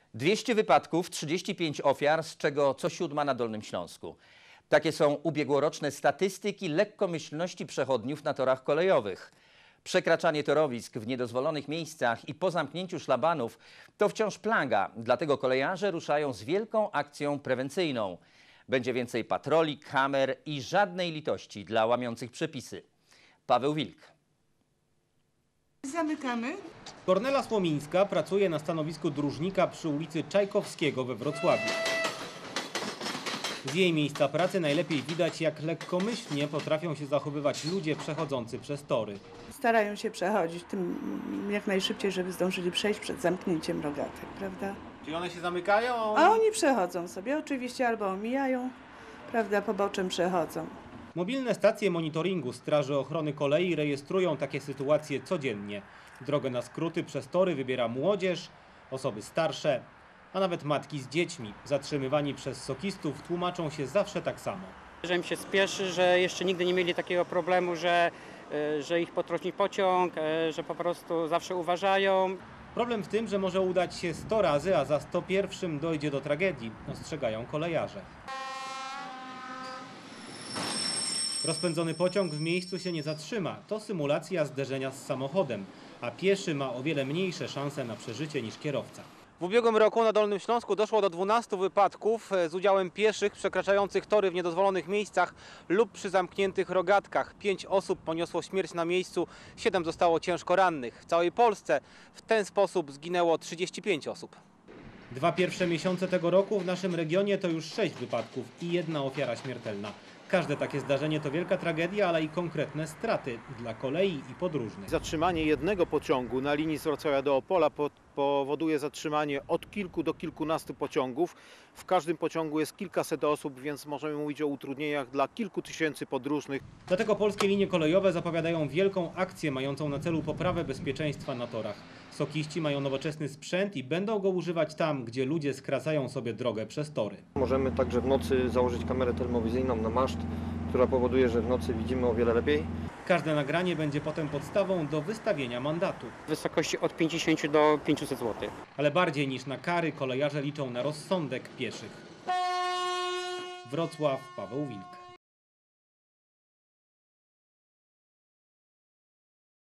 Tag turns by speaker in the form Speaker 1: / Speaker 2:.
Speaker 1: 200 wypadków, 35 ofiar, z czego co 7 na Dolnym Śląsku. Takie są ubiegłoroczne statystyki lekkomyślności przechodniów na torach kolejowych. Przekraczanie torowisk w niedozwolonych miejscach i po zamknięciu szlabanów to wciąż plaga, dlatego kolejarze ruszają z wielką akcją prewencyjną. Będzie więcej patroli, kamer i żadnej litości dla łamiących przepisy. Paweł Wilk.
Speaker 2: Zamykamy.
Speaker 3: Kornela Słomińska pracuje na stanowisku dróżnika przy ulicy Czajkowskiego we Wrocławiu. Z jej miejsca pracy najlepiej widać, jak lekkomyślnie potrafią się zachowywać ludzie przechodzący przez tory.
Speaker 2: Starają się przechodzić tym jak najszybciej, żeby zdążyli przejść przed zamknięciem rogatek, prawda?
Speaker 3: Czyli one się zamykają?
Speaker 2: A oni przechodzą sobie oczywiście albo omijają, prawda, poboczem przechodzą.
Speaker 3: Mobilne stacje monitoringu Straży Ochrony Kolei rejestrują takie sytuacje codziennie. Drogę na skróty przez tory wybiera młodzież, osoby starsze, a nawet matki z dziećmi. Zatrzymywani przez sokistów tłumaczą się zawsze tak samo.
Speaker 4: Że im się spieszy, że jeszcze nigdy nie mieli takiego problemu, że ich potrąci pociąg, że po prostu zawsze uważają.
Speaker 3: Problem w tym, że może udać się 100 razy, a za 101 dojdzie do tragedii, ostrzegają kolejarze. Rozpędzony pociąg w miejscu się nie zatrzyma. To symulacja zderzenia z samochodem, a pieszy ma o wiele mniejsze szanse na przeżycie niż kierowca. W ubiegłym roku na Dolnym Śląsku doszło do 12 wypadków z udziałem pieszych przekraczających tory w niedozwolonych miejscach lub przy zamkniętych rogatkach. 5 osób poniosło śmierć na miejscu, 7 zostało ciężko rannych. W całej Polsce w ten sposób zginęło 35 osób. 2 pierwsze miesiące tego roku w naszym regionie to już 6 wypadków i 1 ofiara śmiertelna. Każde takie zdarzenie to wielka tragedia, ale i konkretne straty dla kolei i podróżnych.
Speaker 5: Zatrzymanie jednego pociągu na linii z Wrocławia do Opola powoduje zatrzymanie od kilku do kilkunastu pociągów. W każdym pociągu jest kilkaset osób, więc możemy mówić o utrudnieniach dla kilku tysięcy podróżnych.
Speaker 3: Dlatego polskie linie kolejowe zapowiadają wielką akcję mającą na celu poprawę bezpieczeństwa na torach. Sokiści mają nowoczesny sprzęt i będą go używać tam, gdzie ludzie skracają sobie drogę przez tory.
Speaker 6: Możemy także w nocy założyć kamerę termowizyjną na maszt, która powoduje, że w nocy widzimy o wiele lepiej.
Speaker 3: Każde nagranie będzie potem podstawą do wystawienia mandatu.
Speaker 4: W wysokości od 50 do 500 zł.
Speaker 3: Ale bardziej niż na kary kolejarze liczą na rozsądek pieszych. Wrocław, Paweł Wilk.